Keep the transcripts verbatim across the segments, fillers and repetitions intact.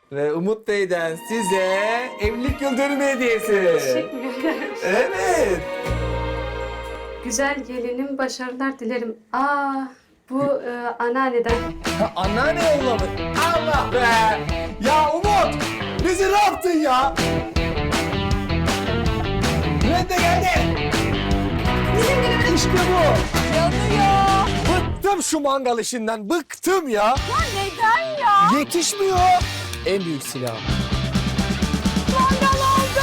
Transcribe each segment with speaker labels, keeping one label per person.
Speaker 1: Ve Umut Bey'den size evlilik yıl dönümü hediyesi.
Speaker 2: Teşekkür ederim.
Speaker 1: Evet.
Speaker 2: Güzel gelinim, başarılar dilerim. Aa, bu e, anneanneden.
Speaker 1: Ha, anneanne yolladı. Allah be. Ya Umut, bizi ne yaptın ya? Nerede geldi? Bizim günümüz. İşte bu.
Speaker 3: Yanıyor.
Speaker 1: Bıktım şu mangal işinden, bıktım ya.
Speaker 3: Ya neden ya?
Speaker 1: Yetişmiyor. En büyük silah.
Speaker 3: Mangal oldu.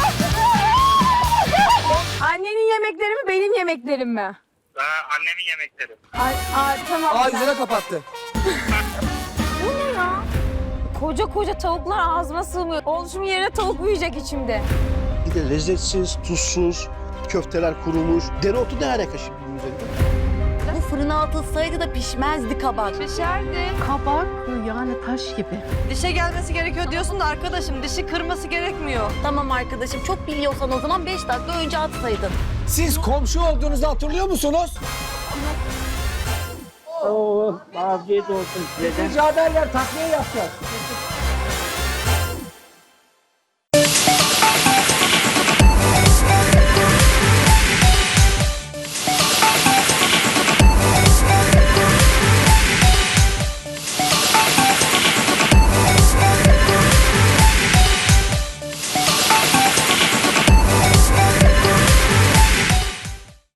Speaker 3: Annenin yemekleri mi benim yemeklerim mi?
Speaker 4: Ee, annemin yemekleri.
Speaker 3: Ay, ay tamam.
Speaker 1: Aa yüzüne kapattı.
Speaker 3: Bu ne ya? Koca koca tavuklar ağzıma sığmıyor. Oluşum yerine tavuk büyüyecek içimde.
Speaker 5: Bir de lezzetsiz, tuzsuz, köfteler kurumuş. Dereotu ne alaka şimdi bunun üzerinde?
Speaker 6: Bu fırına atılsaydı da pişmezdi kabak.
Speaker 3: Pişerdi.
Speaker 7: Kabak yani taş gibi.
Speaker 8: Dişe gelmesi gerekiyor diyorsun da arkadaşım dişi kırması gerekmiyor.
Speaker 6: Tamam arkadaşım, çok biliyorsan o zaman beş dakika önce atsaydın.
Speaker 1: Siz komşu olduğunuzu hatırlıyor musunuz?
Speaker 9: Oo, afiyet olsun size de.
Speaker 1: Rica ederler, takviye yapacağız.